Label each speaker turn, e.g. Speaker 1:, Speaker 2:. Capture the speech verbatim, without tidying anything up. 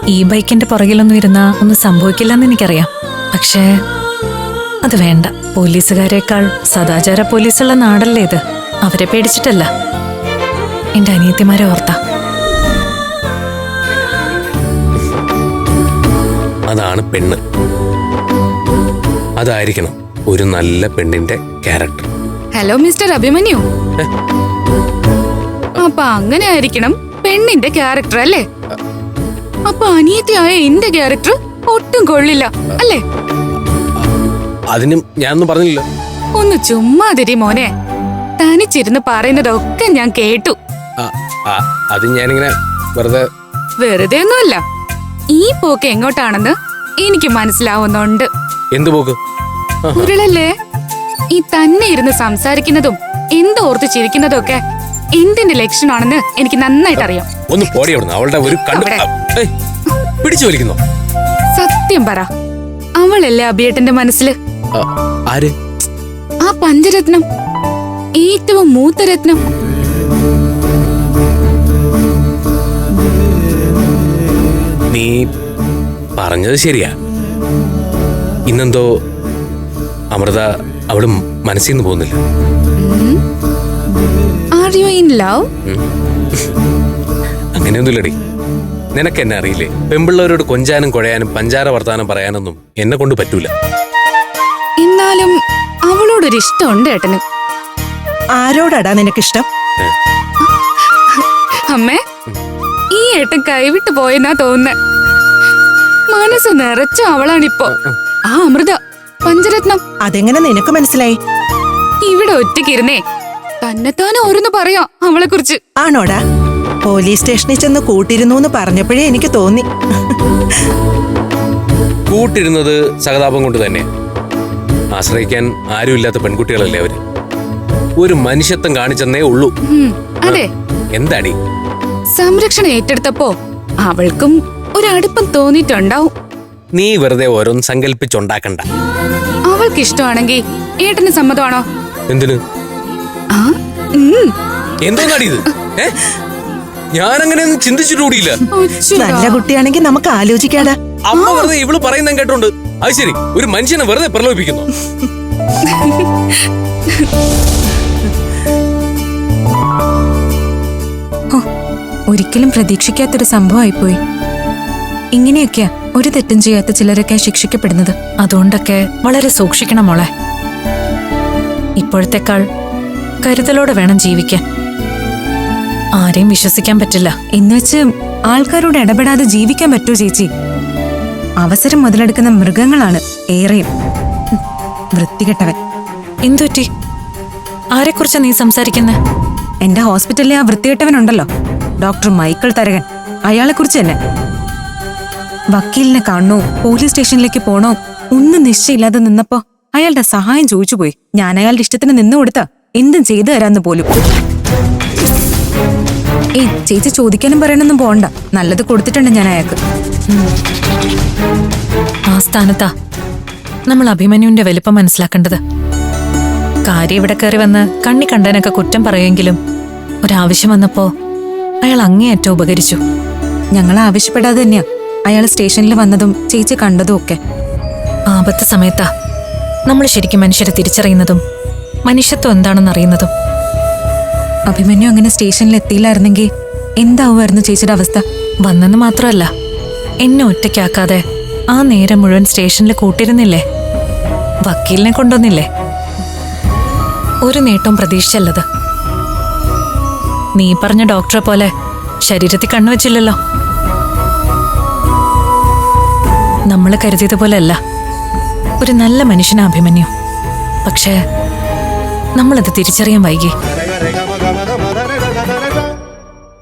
Speaker 1: ഈ ബൈക്കിന്റെ പുറകിലൊന്നും ഇരുന്നാ ഒന്നും സംഭവിക്കില്ലെന്ന് എനിക്കറിയാം. പക്ഷേ അത് വേണ്ട. പോലീസുകാരേക്കാൾ സദാചാര പോലീസുള്ള നാടല്ലേ ഇത്. അവരെ പേടിച്ചിട്ടല്ല, എന്റെ അനിയത്തിമാരെ ഓർത്താ.
Speaker 2: അതാണ് പെണ്ണ്. അതായിരിക്കണം ഒരു നല്ല പെണ്ണിന്റെ ക്യാരക്ടർ.
Speaker 3: ഹലോ മിസ്റ്റർ അഭിമന്യു, അപ്പൊ അങ്ങനെ ആയിരിക്കണം പെണ്ണിന്റെ ക്യാരക്ടർ അല്ലേ? അപ്പൊ അനിയത്തിയായ എന്റെ ക്യാരക്ടർ ഒട്ടും കൊള്ളില്ല അല്ലേ?
Speaker 2: അതിനും ഞാനൊന്നും പറഞ്ഞില്ല.
Speaker 3: ഒന്ന് ചുമ്മാതിരി മോനെ, തനിച്ചിരുന്ന് പറയുന്നതൊക്കെ ഞാൻ കേട്ടു.
Speaker 2: അത് ഞാനിങ്ങനെ വെറുതെ
Speaker 3: വെറുതെ ഒന്നുമല്ല, ഈ പോക്ക് എങ്ങോട്ടാണെന്ന് എനിക്ക് മനസ്സിലാവുന്നുണ്ട്.
Speaker 2: എന്ത് പോക്ക്?
Speaker 3: ഉരുളല്ലേ, ഈ തന്നെ ഇരുന്ന് സംസാരിക്കുന്നതും എന്തോർത്ത് ചിരിക്കുന്നതും ഒക്കെ എന്തിന്റെ ലക്ഷണമാണെന്ന് എനിക്ക് നന്നായിട്ട് അറിയാം.
Speaker 2: ഒന്ന് പോടി അവിടുന്ന്. അവളുടെ ഒരു പിടിച്ചു വലിക്കുന്നു.
Speaker 3: സത്യം പറ, അവളല്ലേ അഭിയേട്ടന്റെ മനസ്സില്?
Speaker 2: ആര്?
Speaker 3: ആ പഞ്ചരത്നം, ഏറ്റവും മൂത്ത രത്നം.
Speaker 2: നീ പറഞ്ഞത് ശരിയാ. ഇന്നെന്തോ അമൃത അവളും മനസ്സിൽ നിന്ന് പോകുന്നില്ല.
Speaker 3: Are you in love?
Speaker 2: അങ്ങനെയൊന്നുമില്ലടി. നിനക്ക് എന്നെ അറിയില്ലേ? പെമ്പിള്ളവരോട് കൊഞ്ചാനും കുഴയാനും പഞ്ചാര വർത്താനം പറയാനൊന്നും എന്നെ കൊണ്ട് പറ്റൂല.
Speaker 3: എന്നാലും അവളോടൊരു ഇഷ്ടമുണ്ട് ഏട്ടന്.
Speaker 4: ആരോടാടാ നിനക്കിഷ്ടം?
Speaker 3: അമ്മേ, ഈ ഏട്ടൻ കൈവിട്ട് പോയെന്നാ തോന്നുന്നേ. മനസ്സ് നിറച്ച അവളാണിപ്പോ. ആ അമൃത, പഞ്ചരത്നം.
Speaker 4: അതെങ്ങനെ നിനക്ക് മനസ്സിലായി?
Speaker 3: ഇവിടെ ഒറ്റയ്ക്കിരുന്നേ തന്നെത്താനെ ഓരോന്ന് പറയാ അവളെ കുറിച്ച്.
Speaker 4: ആണോടാ? പോലീസ് സ്റ്റേഷനിൽ ചെന്ന് കൂട്ടിരുന്നു എന്ന് പറഞ്ഞപ്പോഴേ എനിക്ക് തോന്നി.
Speaker 2: കൂട്ടിരുന്നത് സഹതാപം കൊണ്ട് തന്നെ. ആശ്രയിക്കാൻ ആരുമില്ലാത്ത പെൺകുട്ടികളല്ലേ അവര്. ഒരു മനുഷ്യത്വം കാണിച്ചെന്നേ ഉള്ളൂ.
Speaker 3: അതെ.
Speaker 2: എന്താടി?
Speaker 3: സംരക്ഷണം ഏറ്റെടുത്തപ്പോ അവൾക്കും ഒരടുപ്പം തോന്നിയിട്ടുണ്ടാവും.
Speaker 2: നീ വെറുതെ ഓരോന്ന് സങ്കല്പിച്ചുണ്ടാക്കണ്ട.
Speaker 3: അവൾക്ക് ഇഷ്ടമാണെങ്കിൽ ഏട്ടന് സമ്മതമാണോ?
Speaker 2: എന്തിന്? എന്തോന്നാടി ഇത്? ഞാനങ്ങനെയൊന്നും ചിന്തിച്ചിട്ടുകൂടിയില്ല.
Speaker 4: നല്ല കുട്ടിയാണെങ്കിൽ നമുക്ക് ആലോചിക്കാടാ.
Speaker 2: അമ്മ വെറുതെ ഇവള് പറയുന്ന കേട്ടോണ്ട് അത് ശരി ഒരു മനുഷ്യനെ വെറുതെ പ്രലോഭിപ്പിക്കുന്നു.
Speaker 1: ഒരിക്കലും പ്രതീക്ഷിക്കാത്തൊരു സംഭവമായിപ്പോയി. ഇങ്ങനെയൊക്കെയാ ഒരു തെറ്റും ചെയ്യാത്ത ചിലരൊക്കെ ശിക്ഷിക്കപ്പെടുന്നത്. അതുകൊണ്ടൊക്കെ വളരെ സൂക്ഷിക്കണം മോളെ. ഇപ്പോഴത്തെക്കാൾ കരുതലോടെ വേണം ജീവിക്കാൻ. ആരെയും വിശ്വസിക്കാൻ പറ്റില്ല.
Speaker 5: എന്നുവെച്ച് ആൾക്കാരോട് ഇടപെടാതെ ജീവിക്കാൻ പറ്റൂ ചേച്ചി? അവസരം മുതലെടുക്കുന്ന മൃഗങ്ങളാണ് ഏറെയും. വൃത്തികെട്ടവൻ.
Speaker 1: എന്തുപറ്റി? ആരെക്കുറിച്ചാ നീ സംസാരിക്കുന്നെ?
Speaker 5: എന്റെ ഹോസ്പിറ്റലിലെ ആ വൃത്തികെട്ടവനുണ്ടല്ലോ, ഡോക്ടർ മൈക്കിൾ തരകൻ. അയാളെ കുറിച്ച് തന്നെ. വക്കീലിനെ കാണണോ പോലീസ് സ്റ്റേഷനിലേക്ക് പോണോ ഒന്നും നിശ്ചയില്ലാതെ നിന്നപ്പോ അയാളുടെ സഹായം ചോദിച്ചു പോയി. ഞാൻ അയാളുടെ ഇഷ്ടത്തിന് നിന്നു കൊടുത്ത എന്തും ചെയ്തു തരാന്ന് പോലും. ഏയ് ചേച്ചി ചോദിക്കാനും പറയാനൊന്നും പോണ്ട, നല്ലത് കൊടുത്തിട്ടുണ്ട് ഞാൻ അയാൾക്ക്.
Speaker 1: ആ സ്ഥാനത്താ നമ്മൾ അഭിമന്യുവിന്റെ വലിപ്പം മനസ്സിലാക്കേണ്ടത്. കാര്യം ഇവിടെ കയറി വന്ന് കണ്ണി കണ്ടനൊക്കെ കുറ്റം പറയുമെങ്കിലും ഒരാവശ്യം വന്നപ്പോ അയാൾ അങ്ങേയറ്റം ഉപകരിച്ചു.
Speaker 5: ഞങ്ങൾ ആവശ്യപ്പെടാതെ തന്നെയാ അയാൾ സ്റ്റേഷനിൽ വന്നതും ചേച്ചി കണ്ടതും ഒക്കെ.
Speaker 1: ആപത്ത് സമയത്താ നമ്മൾ ശരിക്കും മനുഷ്യരെ തിരിച്ചറിയുന്നതും മനുഷ്യത്വം എന്താണെന്ന് അറിയുന്നതും.
Speaker 5: അഭിമന്യു അങ്ങനെ സ്റ്റേഷനിൽ എത്തിയില്ലായിരുന്നെങ്കിൽ എന്താവുമായിരുന്നു ചേച്ചിയുടെ അവസ്ഥ?
Speaker 1: വന്നെന്ന് മാത്രമല്ല, എന്നെ ഒറ്റയ്ക്കാക്കാതെ ആ നേരം മുഴുവൻ സ്റ്റേഷനിൽ കൂട്ടിരുന്നില്ലേ, വക്കീലിനെ കൊണ്ടുവന്നില്ലേ. ഒരു നേട്ടവും പ്രതീക്ഷിച്ചല്ലത്. നീ പറഞ്ഞ ഡോക്ടറെ പോലെ ശരീരത്തിൽ കണ്ണുവച്ചില്ലല്ലോ. നമ്മൾ കരുതിയതുപോലെയല്ല, ഒരു നല്ല മനുഷ്യനാ അഭിമന്യു. പക്ഷേ നമ്മളത് തിരിച്ചറിയാൻ വൈകി.